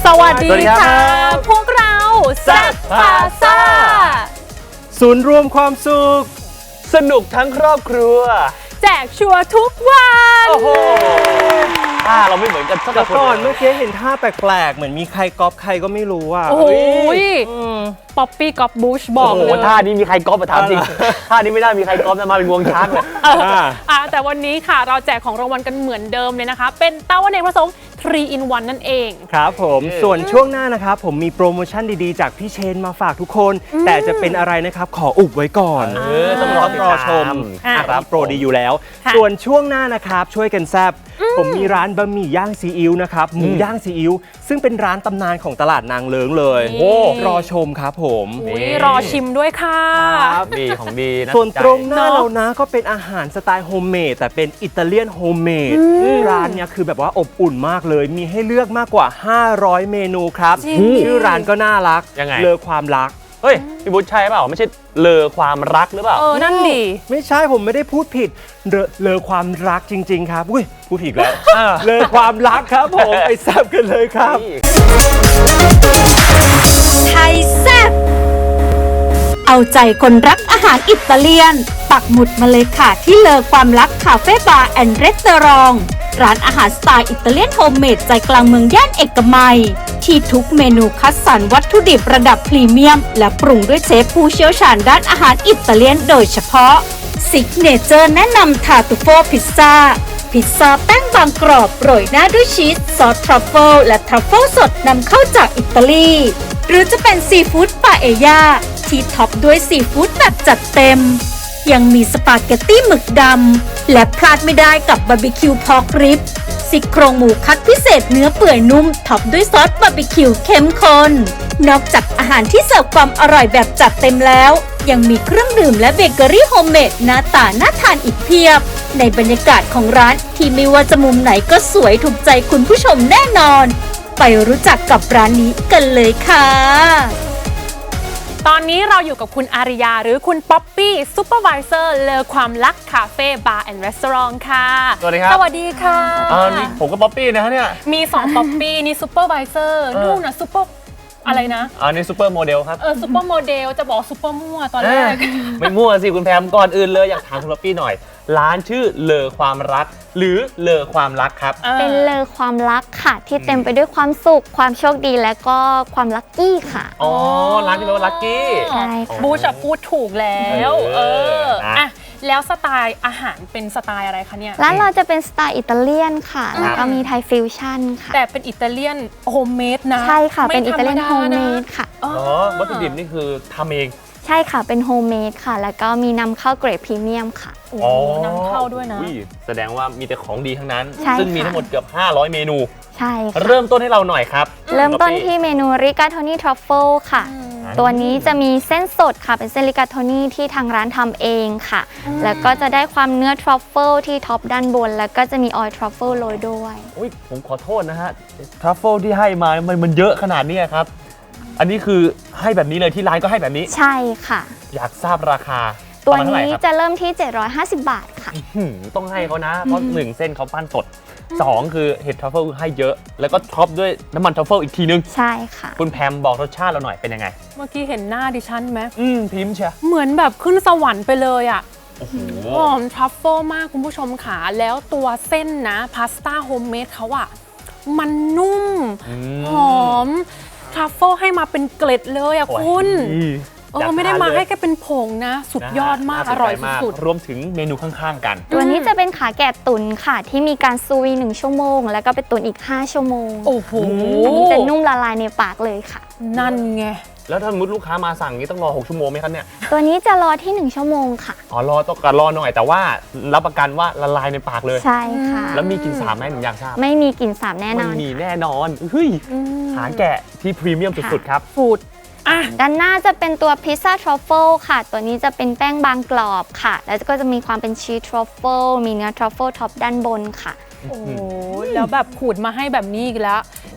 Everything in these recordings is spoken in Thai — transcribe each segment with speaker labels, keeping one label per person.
Speaker 1: สวัสดีค่ะพวกเราแซ่บพาซ่า
Speaker 2: ศูนย์รวมความสุข
Speaker 3: สนุกทั้งครอบครัว
Speaker 1: แจกชัวร์ทุกวัน
Speaker 3: โอ้โหเราไม่เหมือนกันสักคน
Speaker 2: ก่อนเมื่อกี้เห็นท่าแปลกๆเหมือนมีใครก๊อปใครก็ไม่รู้อ่ะ
Speaker 1: โอ้ยป๊อปปี้ก๊อปบูชบอกเลย
Speaker 3: ท่านี้มีใครก๊อปมาถามจริงท่านี้ไม่ได้มีใครก๊อปนะมาเป็นงวงช้างเลย
Speaker 1: แต่วันนี้ค่ะเราแจกของรางวัลกันเหมือนเดิมเลยนะคะเป็นเต้าอเนกประสงค์ 3 in 1 นั่นเอง
Speaker 2: ครับผมส่วนช่วงหน้านะครับผมมีโปรโมชั่นดีๆจากพี่เชนมาฝากทุกคนแต่จะเป็นอะไรนะครับขออุบไว้ก่อน
Speaker 3: ต้องรอ
Speaker 2: ชม
Speaker 3: ครับ
Speaker 2: โปรดีอยู่แล้วส่วนช่วงหน้านะครับช่วยกันแซบผมมีร้านบะหมี่ย่างซีอิ๊วนะครับหมูย่างซีอิ๊วซึ่งเป็นร้านตำนานของตลาดนางเลิ้งเลยรอชมครับผม
Speaker 1: รอชิมด้วยค่ะ
Speaker 3: ดีของดีนะ
Speaker 2: ส่วนตรงหน้าเรานะก็เป็นอาหารสไตล์โฮมเมดแต่เป็นอิตาเลียนโฮมเมดร้านเนี่ยคือแบบว่าอบอุ่นมากเลยมีให้เลือกมากกว่า500เมนูครับชื่อร้านก็น่ารักเลอความรัก
Speaker 3: เฮ้ยพี่บุ๊ชใช่เปล่าไม่ใช่เลอความรักหรือเปล่า
Speaker 1: นั่นดิ
Speaker 2: ไม่ใช่ผมไม่ได้พูดผิดเลอความรักจริงๆครับอุ้ยพูดผิดแล้วเลอความรักครับผมไปแซ่บกันเลยครับ
Speaker 4: ไทยแซ่บเอาใจคนรักอาหารอิตาเลียนปักหมุดมาเลยค่ะที่เลอความรักคาเฟ่บาร์แอนด์รีสอร์ทร้านอาหารสไตล์อิตาเลียนโฮมเมดใจกลางเมืองย่านเอกมัยที่ทุกเมนูคัดสรรวัตถุดิบระดับพรีเมียมและปรุงด้วยเชฟผู้เชี่ยวชาญด้านอาหารอิตาเลียนโดยเฉพาะซิกเนเจอร์แนะนำทาตูโฟพิซซ่าแป้งบางกรอบโรยหน้าด้วยชีสซอสทรัฟเฟิลและทรัฟเฟิลสดนำเข้าจากอิตาลีหรือจะเป็นซีฟู้ดปาเอยาที่ท็อปด้วยซีฟู้ดแบบจัดเต็มยังมีสปาเกตตี้หมึกดำและพลาดไม่ได้กับบาร์บีคิวพอกริบซี่โครงหมูคัดพิเศษเนื้อเปื่อยนุ่มท็อปด้วยซอสบาร์บีคิวเข้มข้นนอกจากอาหารที่เสิร์ฟความอร่อยแบบจัดเต็มแล้วยังมีเครื่องดื่มและเบเกอรี่โฮมเมดหน้าตาน่าทานอีกเพียบในบรรยากาศของร้านที่ไม่ว่าจะมุมไหนก็สวยถูกใจคุณผู้ชมแน่นอนไปรู้จักกับร้านนี้กันเลยค่ะ
Speaker 1: ตอนนี้เราอยู่กับคุณอาริยาหรือคุณป๊อปปี้ซูเปอร์วิเซอร์เลอความรักคาเฟ่บาร์แอนด์รีสอร์ทค่ะ
Speaker 3: สวัสดีครับ
Speaker 1: สวัสดีค่ะ
Speaker 3: นี่ผมก็ป๊อปปี้นะฮะเนี่ย
Speaker 1: มี2ป๊อปปี้นี่ซูเปอร์วิเซอร์นู่นน่ะซูเปอร์อะไรนะ
Speaker 3: นี่ซูเปอร์โมเดลครับ
Speaker 1: ซูเปอร์โมเดลจะบอกซูเปอร์มั่วตอนแรก
Speaker 3: ไม่มั่วสิคุณแพมก่อนอื่นเลยอยากถามคุณป๊อปปี้หน่อยร้านชื่อเลอความรักหรือเลอความรักครับ
Speaker 5: เป็นเลอความรักค่ะที่เต็มไปด้วยความสุขความโชคดีและก็ความลัคกี้ค่ะ
Speaker 3: ร้านที่แปลว่าลัคกี้
Speaker 5: ใช่ค่ะ
Speaker 1: บูชพูดถูกแล้วแล้วสไตล์อาหารเป็นสไตล์อะไรคะเนี่ย
Speaker 5: ร้านเราจะเป็นสไตล์อิตาเลียนค่ะแล้วก็มีไทยฟิวชั่นค่ะ
Speaker 1: แต่เป็นอิตาเลียนโฮมเมดนะ
Speaker 5: ใช่ค่ะเป็นอิตาเลียนโฮมเมดค่ะ
Speaker 3: วัตถุดิบนี่คือทำเอง
Speaker 5: ใช่ค่ะเป็นโฮมเมดค่ะแล้วก็มีนำเข้าเกรดพรีเมียมค่ะ
Speaker 1: นำเข้าด้วยนะ
Speaker 3: แสดงว่ามีแต่ของดีทั้งนั้น
Speaker 5: ซึ่
Speaker 3: งมีทั้งหมดเกือบ500เมนู
Speaker 5: ใช่ค่ะ
Speaker 3: เริ่มต้นให้เราหน่อยครับ
Speaker 5: เริ่มต้นที่เมนูริกาโทนี่ทรัฟเฟิลค่ะตัวนี้จะมีเส้นสดค่ะเป็นเส้นริกาโทนี่ที่ทางร้านทำเองค่ะแล้วก็จะได้ความเนื้อทรัฟเฟิลที่ท็อปด้านบนแล้วก็จะมีออยล์ทรัฟเฟิลโรยด้วย
Speaker 3: ผมขอโทษนะฮะทรัฟเฟิลที่ให้มามันเยอะขนาดนี้ครับอันนี้คือให้แบบนี้เลยที่ร้านก็ให้แบบนี้
Speaker 5: ใช่ค่ะ
Speaker 3: อยากทราบราคา
Speaker 5: ตัวนี้จะเริ่มที่750 บาทค่ะ
Speaker 3: ต้องให้เขานะเพราะ1เส้นเขาปั้นสด2คือเห็ดทรัฟเฟิลให้เยอะแล้วก็ท็อปด้วยน้ำมันทรัฟเฟิลอีกทีนึง
Speaker 5: ใช่ค่ะ
Speaker 3: คุณแพมบอกรสชาติเราหน่อยเป็นยังไง
Speaker 1: เมื่อกี้เห็นหน้าดิฉันไหม
Speaker 3: พิมพ์เชีย
Speaker 1: เหมือนแบบขึ้นสวรรค์ไปเลยอ่ะหอมทรัฟเฟิลมากคุณผู้ชมค่ะแล้วตัวเส้นนะพาสต้าโฮมเมดเขาอ่ะมันนุ่มหอมทรัฟเฟิลให้มาเป็นเกล็ดเลยอ่ะคุณไม่ได้มาให้แค่เป็นผงนะสุดยอดมากอร่อยสุด
Speaker 3: รวมถึงเมนูข้างๆกัน
Speaker 5: ตัวนี้จะเป็นขาแกะตุ๋นค่ะที่มีการซูวี1ชั่วโมงแล้วก็ไปตุ๋นอีก5ชั่วโมง
Speaker 1: โอ้โห
Speaker 5: อันนี้จะนุ่มละลายในปากเลยค่ะ
Speaker 1: นั่นไง
Speaker 3: แล้วถ้าสมมติลูกค้ามาสั่งนี้ต้องรอ6ชั่วโมงไหมครับเนี่ย
Speaker 5: ตัวนี้จะรอที่1ชั่วโมงค่ะ
Speaker 3: ต้องรอหน่อยแต่ว่ารับประกันว่าละลายในปากเลย
Speaker 5: ใช่ค่ะ
Speaker 3: แล้วมีกลิ่นสาบไหมหนูอยากทราบ
Speaker 5: ไม่มีกลิ่นสาบแน่นอน
Speaker 3: ไม่มีแน่นอนเฮ้ยขาแกะที่พรีเมียมสุดๆครับ
Speaker 1: ฟูด
Speaker 5: ด้านหน้าจะเป็นตัวพิซซ่าทรัฟเฟิลค่ะตัวนี้จะเป็นแป้งบางกรอบค่ะแล้วก็จะมีความเป็นชีสทรัฟเฟิลมีเนื้อทรัฟเฟิลท็อปด้านบนค่ะ
Speaker 1: โอ้แล้วแบบขูดมาให้แบบนี้อีกแล้ว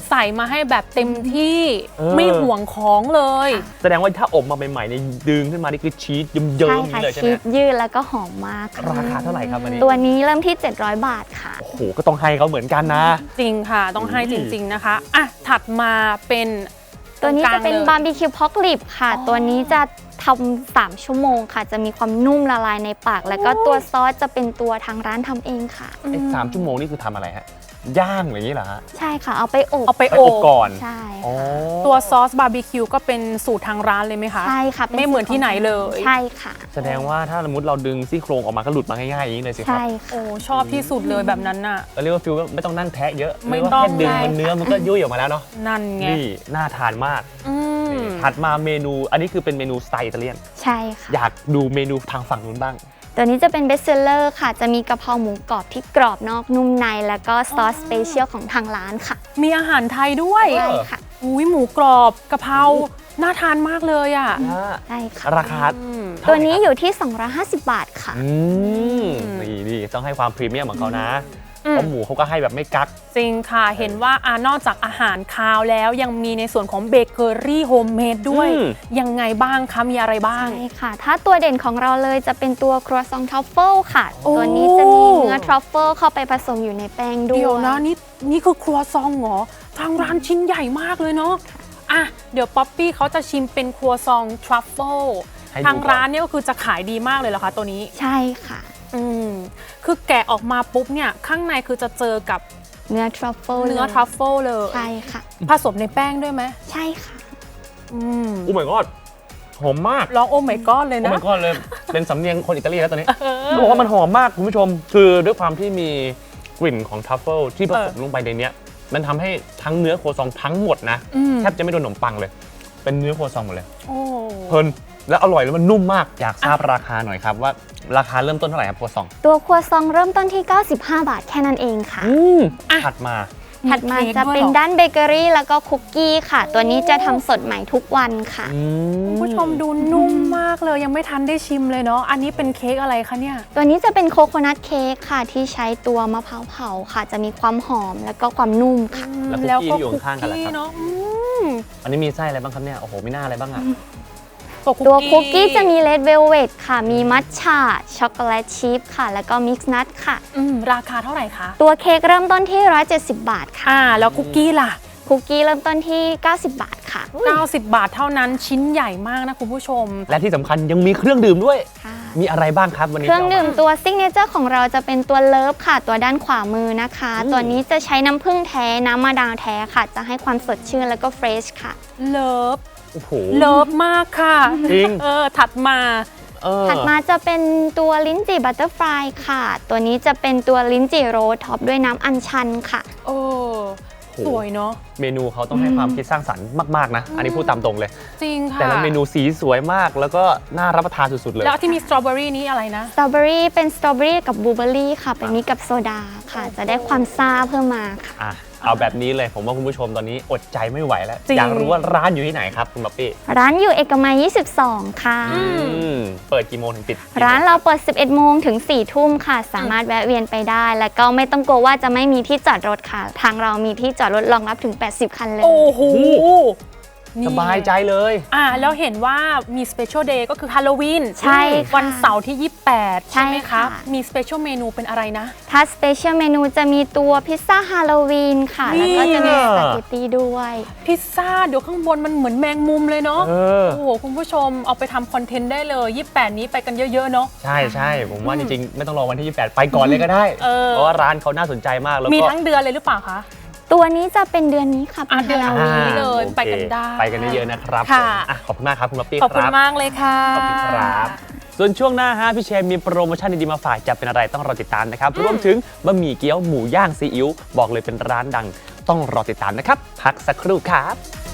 Speaker 1: ใส่มาให้แบบเต็มที่
Speaker 3: เออ
Speaker 1: ไม่ห่วงของเลย
Speaker 3: แสดงว่าถ้าอบมาใหม่ๆเนี่ยดึงขึ้นมานี่คือชีสเยิ้ม
Speaker 5: ใช่
Speaker 3: ๆ
Speaker 5: ค่ะ
Speaker 3: เลยใช่ไห
Speaker 5: ชี
Speaker 3: ม
Speaker 5: สยืดแล้วก็หอมมากค่ะ
Speaker 3: ราคาเท่าไหร่ครับอันนี้
Speaker 5: ตัวนี้เริ่มที่ 700 บาทค่ะ
Speaker 3: โอ้โหก็ต้องให้เขาเหมือนกันนะ
Speaker 1: จริงค่ะ ต้องให้จริง ๆ นะคะอ่ะถัดมาเป็น
Speaker 5: ตัวนี้จะเป็น
Speaker 1: ตรงกล
Speaker 5: บา
Speaker 1: ลย
Speaker 5: ร์บีคิวพอกลิปค่ะ ตัวนี้จะทำ3 ชั่วโมงค่ะ จะมีความนุ่มละลายในปาก แล้วก็ตัวซอสจะเป็นตัวทางร้านทำเองค่ะ
Speaker 3: ไอ้3 ชั่วโมงนี่คือทำอะไรฮะ ย่างอย่างนี้เหรอฮะ
Speaker 5: ใช่ค่ะ เอาไปอบ
Speaker 1: เอาไป
Speaker 3: ไป
Speaker 1: โอ
Speaker 3: อบบ ก่อน
Speaker 5: ใช่
Speaker 3: อ๋อ
Speaker 1: ตัวซอสบาร์บีคิวก็เป็นสูตรทางร้านเลยไหมคะ
Speaker 5: ใช่ค่ะป็
Speaker 1: ไม่เหมือนที่ไหนเลย
Speaker 5: ใช่ค่ะ
Speaker 3: แสดงว่าถ้าสมมติเราดึงซี่โครงออกมาก็หลุดมาง่ายๆอย่างนี้เลยสิครับ
Speaker 5: ใช่ค่ะ
Speaker 1: โอ้ชอบที่สุดเลยแบบนั้นน่ะ
Speaker 3: เราเรียกว่าฟิลว่าไม่ต้องนั่งแทะเยอะ
Speaker 1: ไม่
Speaker 3: เรียกว่า
Speaker 1: ต้อง
Speaker 3: แค่ดึง
Speaker 1: เลย
Speaker 3: มันเนื้อมันก็ยุ่ยออกมาแล้วเนาะ
Speaker 1: นั่นไง
Speaker 3: นี่น่าทานมาก
Speaker 1: อืม
Speaker 3: นี่ถัดมาเมนูอันนี้คือเป็นเมนูสไตล์อิตาเลียน
Speaker 5: ใช่ค่ะ
Speaker 3: อยากดูเมนูทางฝั่งนู้นบ้าง
Speaker 5: ตัวนี้จะเป็นเบสเซลเลอร์ค่ะ จะมีกะเพราหมูกรอบที่กรอบนอกนุ่มใน แล้วก็ซอสสเปเชียลของทางร้านค่ะ
Speaker 1: มีอาหารไทยด้วย
Speaker 5: ใช่ค่ะ
Speaker 1: อุ้ยหมูกรอบกะเพราน่าทานมากเลยอ่ะ
Speaker 5: ใช่ค่ะ
Speaker 3: ราคา
Speaker 1: อืม
Speaker 3: เท่า
Speaker 5: ตัว
Speaker 3: ไหร่
Speaker 5: นี้
Speaker 3: ครับ
Speaker 5: อยู่ที่ 250 บาทค่ะ
Speaker 3: นี่ต้องให้ความพรีเมียมของเขานะ
Speaker 1: อืม
Speaker 3: เพราะหมูเขาก็ให้แบบไม่กัก
Speaker 1: จริงค่ะ เห็นว่านอกจากอาหารคาวแล้วยังมีในส่วนของเบเกอรี่โฮมเมดด้วย
Speaker 3: อืม
Speaker 1: ยังไงบ้างคะ มีอะไรบ้าง
Speaker 5: ใช่ค่ะ ถ้าตัวเด่นของเราเลยจะเป็นตัวครัวซองทรัฟเฟิลค่ะ
Speaker 1: โอ้
Speaker 5: ตัวนี้จะมีเนื้อทรัฟเฟิลเข้าไปผสมอยู่ในแป้งด้วย
Speaker 1: เดี๋ยวนะนี่คือครัวซองเหรอ ทางร้านชิ้นใหญ่มากเลยเนาะอ่ะเดี๋ยวป๊อปปี้เขาจะชิมเป็นครัวซองทรัฟเฟิล
Speaker 3: ให้ดู
Speaker 1: ทางร้านเนี่ยก็คือจะขายดีมากเลยเหรอคะตัวนี้
Speaker 5: ใช่ค่ะ
Speaker 1: อืมคือแกะออกมาปุ๊บเนี่ยข้างในคือจะเจอกับ
Speaker 5: เนื้อทรัฟเฟิล
Speaker 1: เนื้อทรัฟเฟิลเลย
Speaker 5: ใช่ค่ะ
Speaker 1: ผสมในแป้งด้วยไหม
Speaker 5: ใช่ค่ะ
Speaker 1: อืม
Speaker 3: โอ้ my god หอมมาก
Speaker 1: ร้องโอ้ my god เลย
Speaker 3: โอ้
Speaker 1: นะ
Speaker 3: my god เลย เป็นสำเนียงคนอิตาลีแล้วตอนนี้เขาบอกว่ามันหอมมากคุณผู้ชม คือด้วยความที่มีกลิ่นของทรัฟเฟิลที่ผสมลงไปในเนี้ยมันทำให้ทั้งเนื้อโคซองทั้งหมดนะ
Speaker 1: อืม
Speaker 3: แทบจะไม่โดนขนมปังเลย เป็นเนื้อโคซองหมดเลย
Speaker 1: โอ้
Speaker 3: เพลินแล้วอร่อยแล้วมันนุ่มมาก อยากทราบราคาหน่อยครับว่าราคาเริ่มต้นเท่าไหร่ครับโคซอง
Speaker 5: ตัวครัวซองเริ่มต้นที่ 95 บาทแค่นั้นเองค่ะ
Speaker 3: ถัดมา
Speaker 5: ถัดมา
Speaker 1: เค้ก
Speaker 5: จะ
Speaker 1: ด้วย
Speaker 5: เป็น
Speaker 1: หรอ
Speaker 5: ด้านเบเกอรี่แล้วก็คุกกี้ค่ะ ตัวนี้จะทำสดใหม่ทุกวันค่ะ
Speaker 1: คุณผู้ชมดูนุ่มมากเลยยังไม่ทันได้ชิมเลยเนาะอันนี้เป็นเค้กอะไรคะเนี่ย
Speaker 5: ตัวนี้จะเป็นโคโคนัทเค้กค่ะ ที่ใช้ตัวมะพร้าวเผาค่ะ จะมีความหอมแล้วก็ความนุ่มค่ะ
Speaker 3: แล้วคุกกี้ที่อยู่ข้างๆกันล่ะครับ
Speaker 1: เนาะม
Speaker 3: อันนี้มีไส้อะไรบ้างครับเนี่ย โอ้โหไม่น่าอะไรบ้างอ่ะ
Speaker 5: ตัวคุกกี้จะมีเลดเวลเวทค่ะ มีมัทฉะช็อกโกแลตชีสค่ะ แล้วก็มิกซ์นัทค่ะ
Speaker 1: ราคาเท่าไหร่คะ
Speaker 5: ตัวเค้กเริ่มต้นที่ 170 บาทค่ะ
Speaker 1: แล้วคุกกี้ล่ะ
Speaker 5: คุกกี้เริ่มต้นที่ 90 บาทค่ะ
Speaker 1: 90 บาทเท่านั้นชิ้นใหญ่มากนะคุณผู้ชม
Speaker 3: และที่สำคัญยังมีเครื่องดื่มด้วย
Speaker 5: ค่ะ
Speaker 3: มีอะไรบ้างครับวันนี้
Speaker 5: เครื่องดื่ม
Speaker 3: ที่าา
Speaker 5: ตัวซิกเนเจอร์ของเราจะเป็นตัวเลิฟค่ะ ตัวด้านขวามือนะคะ ตัวนี้จะใช้น้ำผึ้งแท้ น้ำมะนาวแท้ค่ะ จะให้ความสดชื่นแล้วก็เฟรชค่ะ
Speaker 1: เลิฟ
Speaker 3: โอ้โห
Speaker 1: เลิฟมากค่ะ
Speaker 3: จริง
Speaker 1: ถัดมา
Speaker 5: ถัดมาจะเป็นตัวลิ้นจี่บัตเตอร์ฟลายค่ะ ตัวนี้จะเป็นตัวลิ้นจี่โรสท็อปด้วยน้ำอัญชันค่ะ
Speaker 1: โอ้สวยเนาะ
Speaker 3: เมนูเขาต้องให้ความคิดสร้างสรรค์มากๆนะ อันนี้พูดตามตรงเลย
Speaker 1: จริงค่ะ
Speaker 3: แต่ละเมนูสีสวยมากแล้วก็น่ารับประทานสุดๆเลย
Speaker 1: แล้วที่มีสตรอเบอรี่นี้อะไรนะ
Speaker 5: สตรอเบอรี่เป็นสตรอเบอรี่กับบลูเบอรี่ค่ะ เป็นมิกกับโซดาค่ะ จะได้ความซ่าเพิ่มมาค่ะ
Speaker 3: อ่ะเอาแบบนี้เลยผมว่าคุณผู้ชมตอนนี้อดใจไม่ไหวแล้ว
Speaker 1: จริง
Speaker 3: อยากรู้ว่าร้านอยู่ที่ไหนครับคุณป๊อปปี้
Speaker 5: ร้านอยู่เอกมัย 22 ค่ะ
Speaker 3: เปิดกี่โมงถึงปิดกี่โมง
Speaker 5: ร้านเราเปิด 11 โมงถึง 4 ทุ่มค่ะ สามารถแวะเวียนไปได้ แล้วก็ไม่ต้องกลัวว่าจะไม่มีที่จอดรถค่ะ ทางเรามีที่จอดรถรองรับถึง 80 คันเลย
Speaker 1: โอ้โหนี่
Speaker 3: สบายใจเลย
Speaker 1: แล้วเห็นว่ามีสเปเชียลเดย์ก็คือฮาโลวีน
Speaker 5: ใช่ค่ะ
Speaker 1: วันเสาร์ที่ 28 ใช่ไหม
Speaker 5: ใช่
Speaker 1: คะ
Speaker 5: ค่ะ
Speaker 1: มีสเปเชียลเมนูเป็นอะไรนะ
Speaker 5: ถ้าสเปเชียลเมนูจะมีตัวพิซซ่าฮาโลวีนค่ะ แล้วก็จะมีสปาเกตตี้ด้วย
Speaker 1: พิซซ่าเดี๋ยวข้างบนมันเหมือนแมงมุมเลยเนาะ
Speaker 3: เออ
Speaker 1: โอ้โห คุณผู้ชมเอาไปทำคอนเทนต์ได้เลย 28 นี้ไปกันเยอะๆเนาะ
Speaker 3: ใช่ใช่ผมว่าจริงๆ ไม่ต้องรอวันที่ 28 ไปก่อนเลยก็ได้ เพราะว่าร้านเขาน่าสนใจมากแล้วก็
Speaker 1: มีทั้งเดือนเลยหรือเปล่าคะ
Speaker 5: ตัวนี้จะเป็นเดือนนี้ค่ะเป็น
Speaker 1: เดือน
Speaker 5: ฮาโลวีน
Speaker 1: นี้เลย
Speaker 3: โอค
Speaker 1: ไปกันได้
Speaker 3: ไปกันเยอะๆนะครับ
Speaker 1: ค่ะ
Speaker 3: ผมขอบคุณมากครับคุณป๊อปปี้
Speaker 1: ขอบคุณ
Speaker 3: รับ
Speaker 1: มากเลยค่ะ
Speaker 3: ขอบคุณครับ ส่วนช่วงหน้าฮะพี่เชนมีโปรโมชั่นดีๆมาฝากจะเป็นอะไรต้องรอติดตามนะครับ รวมถึงบะหมี่เกี๊ยวหมูย่างซีอิ๊วบอกเลยเป็นร้านดัง ต้องรอติดตามนะครับ พักสักครู่ครับ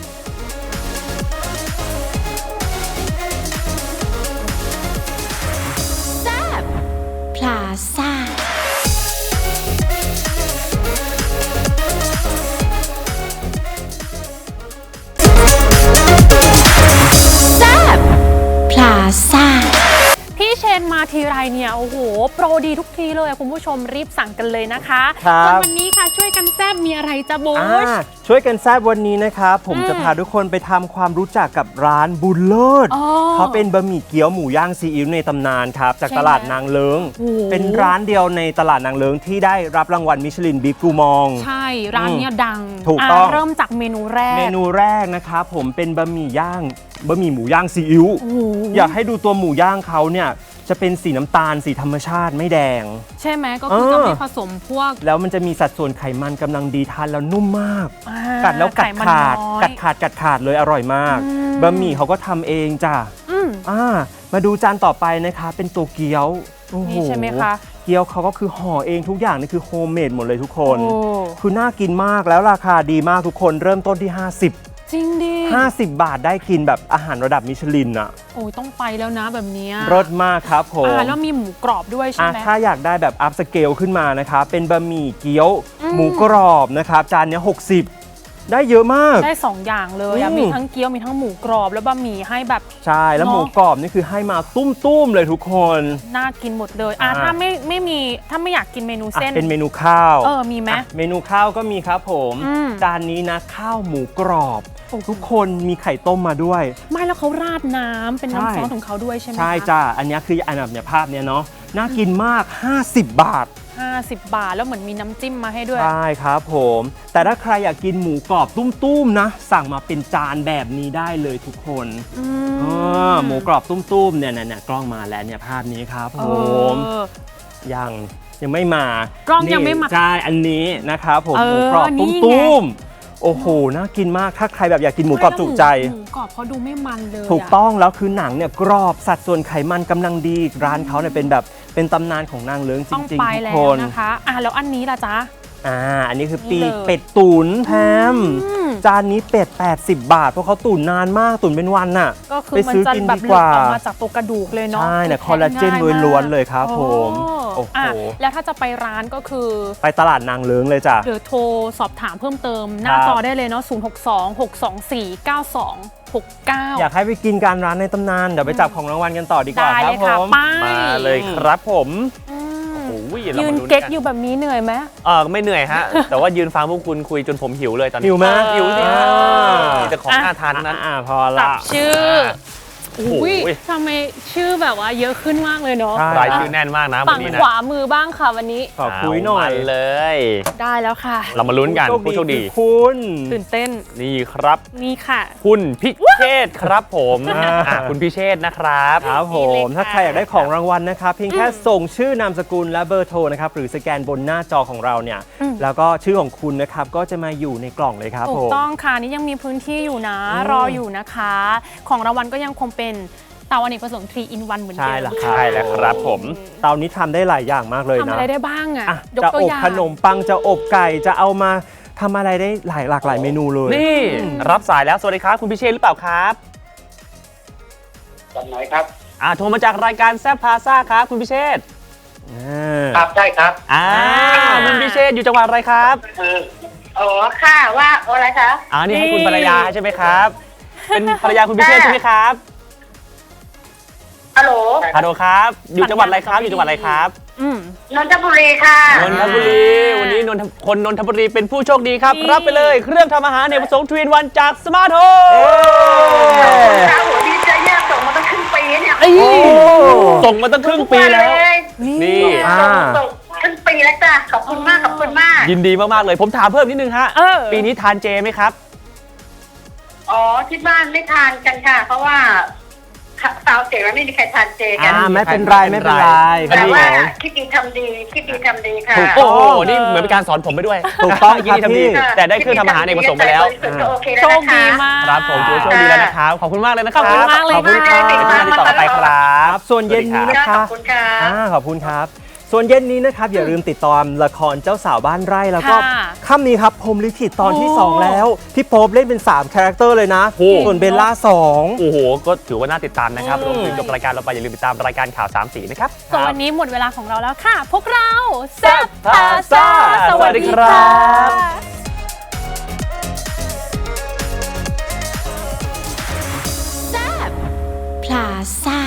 Speaker 4: พลาซ่า พลาซ่า
Speaker 1: พี่เชนมาทีไรเนี่ยโอ้โหโปรดีทุกทีเลยอะคุณผู้ชมรีบสั่งกันเลยนะคะ
Speaker 2: ครับ
Speaker 1: ส่วนวันนี้ค่ะช่วยกันแซบมีอะไรจะบูช
Speaker 2: ช่วยกันแซบวันนี้นะครับผมจะพาทุกคนไปทำความรู้จักกับร้านบุญเลิศ
Speaker 1: อ๋อ
Speaker 2: เขาเป็นบะหมี่เกี๊ยวหมูย่างซีอิ๊วในตำนานครับจาก
Speaker 1: ใช่ไหม
Speaker 2: ตลาดนางเลิง
Speaker 1: โอ้โห
Speaker 2: เป็นร้านเดียวในตลาดนางเลิงที่ได้รับรางวัลมิชลินบิ๊กกูมอง
Speaker 1: ใช่ร้านเนี้ยดัง
Speaker 2: ถูกต้อง
Speaker 1: เริ่มจากเมนูแรก
Speaker 2: เมนูแรกนะครับผมเป็นบะหมี่หมูย่างซีอิ๊ว
Speaker 1: โอ้โห
Speaker 2: อยากให้ดูตัวหมูย่างเขาเนี่ยจะเป็นสีน้ำตาลสีธรรมชาติไม่แดง
Speaker 1: ใช่ไหมก็คือจะไม่ผสมพวก
Speaker 2: แล้วมันจะมีสัดส่วนไขมันกำลังดีทานแล้วนุ่มมาก
Speaker 1: อ่า
Speaker 2: กัดแล้วกัด
Speaker 1: ไขมัน
Speaker 2: ขาด
Speaker 1: น้อย
Speaker 2: กัดขาดเลยอร่อยมาก
Speaker 1: อืม
Speaker 2: บะหมี่เขาก็ทำเองจ้ะ
Speaker 1: อืม
Speaker 2: มาดูจานต่อไปนะคะเป็นตัวเกี๊ยวโอ้โห
Speaker 1: นี่ใช่ไหมคะ
Speaker 2: เกี๊ยวเขาก็คือห่อเองทุกอย่างนี่คือโฮมเมดหมดเลยทุกคน
Speaker 1: โอ้
Speaker 2: คือน่ากินมากแล้วราคาดีมากทุกคนเริ่มต้นที่
Speaker 1: จริงดิ
Speaker 2: 50 บาทได้กินแบบอาหารระดับมิชลินอะ
Speaker 1: โอ้ยต้องไปแล้วนะแบบเนี้ย
Speaker 2: เลิศมากครับผม
Speaker 1: แล้วมีหมูกรอบด้วยใช่ไหม
Speaker 2: ถ้าอยากได้แบบอัพสเกลขึ้นมานะครับเป็นบะหมี่เกี๊ยว
Speaker 1: อืม
Speaker 2: หมูกรอบนะครับจานเนี้ย60 ได้เยอะมาก
Speaker 1: ได้ 2 อย่างเลยอะ
Speaker 2: อืม
Speaker 1: มีทั้งเกี๊ยวมีทั้งหมูกรอบแล้วบะหมี่ให้แบบ
Speaker 2: ใช่แล้ว
Speaker 1: เนอะ
Speaker 2: หมูกรอบนี่คือให้มาตุ้มๆเลยทุกคน
Speaker 1: น่ากินหมดเลย
Speaker 2: อ่า
Speaker 1: ถ้าไม่อยากกินเมนูเส้น
Speaker 2: เป็นเมนูข้าว
Speaker 1: มีไหม
Speaker 2: เมนูข้าวก็มีครับผม
Speaker 1: อืม
Speaker 2: จานนี้นะข้าวหมูกรอบ
Speaker 1: โอ้โห
Speaker 2: ทุกคนมีไข่ต้มมาด้วย
Speaker 1: ไม่แล้วเขาราดน้ำเป็น
Speaker 2: ใช่
Speaker 1: น้ำซอสของเขาด้วยใช่ไหม
Speaker 2: ใช่
Speaker 1: คะ
Speaker 2: จ้าอันนี้คืออันแบบเนี้ยภาพเนี้ยเนาะน่ากินมาก 50 บาท
Speaker 1: 50 บาทแล้วเหมือนมีน้ำจิ้มมาให้ด้วย
Speaker 2: ใช่ครับผม แต่ถ้าใครอยากกินหมูกรอบตุ้มๆนะ สั่งมาเป็นจานแบบนี้ได้เลยทุกคน
Speaker 1: อืม
Speaker 2: หมูกรอบตุ้มๆเนี่ยกล้องมาแล้วเนี่ยภาพนี้ครับ
Speaker 1: เอ
Speaker 2: ผม
Speaker 1: อ
Speaker 2: ยังไม่มาก
Speaker 1: ล้องยังไม่มา
Speaker 2: ใช่อันนี้นะครับผม
Speaker 1: เออ
Speaker 2: หมูกรอบ
Speaker 1: นี่ไง
Speaker 2: ตุ้มๆโอ้โหน่ากินมากถ้าใครแบบอยากกินหมูกรอบจุใจ
Speaker 1: หมูกรอบเขาดูไม่มันเลย
Speaker 2: ถูกต้องแล้วคือหนังเนี่ยกรอบสัดส่วนไขมันกำลังดีร้านเขาเนี่ยเป็นตำนานของนางเลิ้งจ
Speaker 1: ต้อง
Speaker 2: ริง
Speaker 1: ไป
Speaker 2: ๆทุก
Speaker 1: แล้
Speaker 2: ค
Speaker 1: วน นะคะแล้วอันนี้ล่ะจ๊ะ
Speaker 2: อันนี้คือปี
Speaker 1: นี่เลย
Speaker 2: เป็ดตุ๋นแพม
Speaker 1: อืม
Speaker 2: จานนี้เป็ด 80 บาท เพราะเขาตุ๋นนานมากตุ๋นเป็นวันน่ะ
Speaker 1: ก็คือ
Speaker 2: ไป
Speaker 1: มัน
Speaker 2: ซื้อ
Speaker 1: จะ
Speaker 2: กิน
Speaker 1: แบบ
Speaker 2: ดี
Speaker 1: ห
Speaker 2: ก
Speaker 1: ลุด
Speaker 2: ว่า
Speaker 1: ออกมาจากตัวกระดูกเลยเนาะ
Speaker 2: ใช่เนี่ย
Speaker 1: แทะ
Speaker 2: คอลลาเจน
Speaker 1: ง่ายมาก
Speaker 2: ล้วนๆเลยครับผมโอ้โห
Speaker 1: แล้วถ้าจะไปร้านก็คือ
Speaker 2: ไปตลาดนางเลิ้งเลยจ้ะ
Speaker 1: เดี๋ยวโทรสอบถามเพิ่มเติมหน้า
Speaker 2: ครับ
Speaker 1: จอได้เลยเนาะ062-624-9269
Speaker 2: อยากให้ไปกินการร้านในตำนานเดี๋ยวไปจับของรางวัลกันต่อดีกว่า
Speaker 1: ได้
Speaker 2: ค
Speaker 1: เล
Speaker 2: รับ
Speaker 1: ย
Speaker 2: ผ
Speaker 1: ค่ะ
Speaker 2: ม
Speaker 1: ไป
Speaker 3: มาเลยครับผม
Speaker 1: อืม
Speaker 3: โอ้ยเรา
Speaker 1: ยื
Speaker 3: มาน ลุ้น
Speaker 1: เก๊ก
Speaker 3: กัน
Speaker 1: อยู่แบบนี้เหนื่อยไหม
Speaker 3: ไม่เหนื่อยฮะ แต่ว่ายืนฟังพวกคุณคุยจนผมหิวเลยตอนนี้
Speaker 2: หิวไหม
Speaker 3: หิวสิฮะ
Speaker 2: อ่า
Speaker 3: มีแต่ของน่าทานทั้งนั้น
Speaker 2: พอ
Speaker 1: จั
Speaker 2: ละ
Speaker 1: บชื่อ
Speaker 3: โอ้โห
Speaker 1: อุ้ยทำไมชื่อแบบว่าเยอะขึ้นมากเลยเนาะ
Speaker 2: ใช่
Speaker 3: รายชื่อแน่นมากนะวั
Speaker 1: ฝั่
Speaker 3: น
Speaker 1: ง
Speaker 3: นี้
Speaker 1: ข
Speaker 3: นะ
Speaker 1: วามือบ้างค่ะวันนี้
Speaker 2: ขอคุยหน่อย
Speaker 3: เามาเลย
Speaker 1: ได้แล้วค่ะ
Speaker 3: เรามาลุ้นกันผู้โชคดี
Speaker 2: คือคุณ
Speaker 1: ตื่นเต้น
Speaker 3: นี่ครับ
Speaker 1: นี่ค่ะ
Speaker 3: คุณพิเชษฐ์ครับผมคุณพิเชษฐ์นะครับ
Speaker 2: ครับผ
Speaker 1: นี่เลย
Speaker 2: ม
Speaker 1: ค่ะ
Speaker 2: ถ้าใครอยากได้ของรางวัลนะครับเพียงแค่ส่งชื่อนามสกุลและเบอร์โทรนะครับหรือสแกนบนหน้าจอของเราเนี่ยแล้วก็ชื่อของคุณนะครับก็จะมาอยู่ในกล่องเลยครับ
Speaker 1: ถู
Speaker 2: ผ
Speaker 1: ก
Speaker 2: ม
Speaker 1: ต้องค่ะนี่ยังมีพื้นที่อยู่นะ รออยู่นะคะ ของรางวัลก็ยังคงเป็นเตาอเนกประสงค์ 3 in 1 เหมือนเดิม
Speaker 2: ใช่แล้ว
Speaker 3: ใช่แล้วครับผม
Speaker 2: เตานี้ทำได้หลายอย่างมากเลย
Speaker 1: ทำ
Speaker 2: นะ
Speaker 1: อะไรได้บ้างอ่ะ
Speaker 2: อ่ะ
Speaker 1: ยก
Speaker 2: จะ
Speaker 1: ตัว
Speaker 2: อบ
Speaker 1: อย่าง
Speaker 2: ขนมปังจะอบไก่จะเอามาทำอะไรได้หลากหลายเมนูเลย
Speaker 3: นี่รับสายแล้วสวัสดีครับคุณพิเชษฐ์หรือเปล่าครับ
Speaker 6: ตอนไหนครับ
Speaker 3: โทรมาจากรายการแซฟพาซ่าครับคุณพิเชษฐ์
Speaker 6: ครับใช่ครับ
Speaker 3: คุณพิเชษฐ์อยู่จังหวัดอะไรครับ
Speaker 6: อ๋อค่ะว่าอะไรคะ
Speaker 3: นี่ให้คุณภรรยาใช่ไหมครับ เป็นภรรยาคุณพิเชษฐ์ใช่ไหมครับ
Speaker 6: ฮัลโหล
Speaker 3: ฮัลโหลครับ อยู่จังหวัดอะไรครับ อยู่จังหวัดอะไรครับ
Speaker 1: อืม
Speaker 6: นนทบุรีค่ะ
Speaker 3: นนทบุรี วันนี้คนนนทบุรีเป็นผู้โชคดีครับ รับไปเลยเครื่องทำอาหารเนกประสงค์ทวินวันจากสมาร์ทโฮม
Speaker 6: ข้าวหัวดีใจแย่ส่งมาตั้งครึ่งปีเนี่ย
Speaker 3: ส่งมาตั้งครึ่งปีแล้ว นี่
Speaker 6: ส่งครึ่งปีแล้วจ้ะขอบคุณมากขอบคุณมาก
Speaker 3: ยินดีมากๆเลย ผมถามเพิ่มนิดนึงฮะ ปีนี้ทานเจไหมครับ
Speaker 6: อ๋อที่บ้านไม่ทานกันค่ะ เพราะว่าสาวเจ๋งแล้วไม่มีใครทานเจกัน
Speaker 2: ไม่เป็นไรไม่เป็นไร
Speaker 6: แต่ว่า
Speaker 2: ครับ
Speaker 6: คิดดีทำดีคิดดีทำดีค่ะ
Speaker 3: โอ้โห นี่เหมือนเป็นการสอนผมไปด้วย
Speaker 2: ถูกต้อง
Speaker 3: ยินดีทำดี
Speaker 2: ครับพี่
Speaker 3: แต่ได้เครื่องทำอาหารเอกประสงค์ไปแล้ว
Speaker 6: โอเค
Speaker 1: โช
Speaker 6: แล้ว
Speaker 1: ค
Speaker 6: นะ
Speaker 1: ดี
Speaker 6: คะ
Speaker 1: มาก
Speaker 3: ครับผมถือว่าโชคดีแล้วนะครับ ขอบคุณมากเลยนะค
Speaker 1: ข
Speaker 3: รั
Speaker 1: อบบ คุณมากเลย
Speaker 2: ขอบคุณ
Speaker 1: ค่ะ
Speaker 2: ครับ
Speaker 3: เป็นที่ติดต่อกันไปครับ
Speaker 2: ส่วนเย็นนี้นะ
Speaker 6: ข
Speaker 2: คะ
Speaker 6: อบคุณค่ะ
Speaker 2: ขอบคุณครับ ส่วนเย็นนี้นะครับอย่าลืมติดตามละครเจ้าสาวบ้านไร่แล้วก็
Speaker 1: ค่ะ
Speaker 2: ค่ำนี้ครับพรหมลิขิตตอนที่
Speaker 1: โอ้
Speaker 2: 2 แล้วพี่โป๊ปเล่นเป็น3คาแรคเตอร์เลยนะ
Speaker 3: โอ้
Speaker 2: ส่วนเบลล่า2
Speaker 3: โอ้โห ก็ถือว่าน่าติดตามนะครับ รวมถึงจบรายการเราไปอย่าลืมติดตามรายการข่าว3สีนะครับ
Speaker 1: ส่วนวันนี้หมดเวลาของเราแล้วค่ะ พวกเราแซบ
Speaker 3: พาซ่าสวัสดีครับ
Speaker 4: พลาซ่า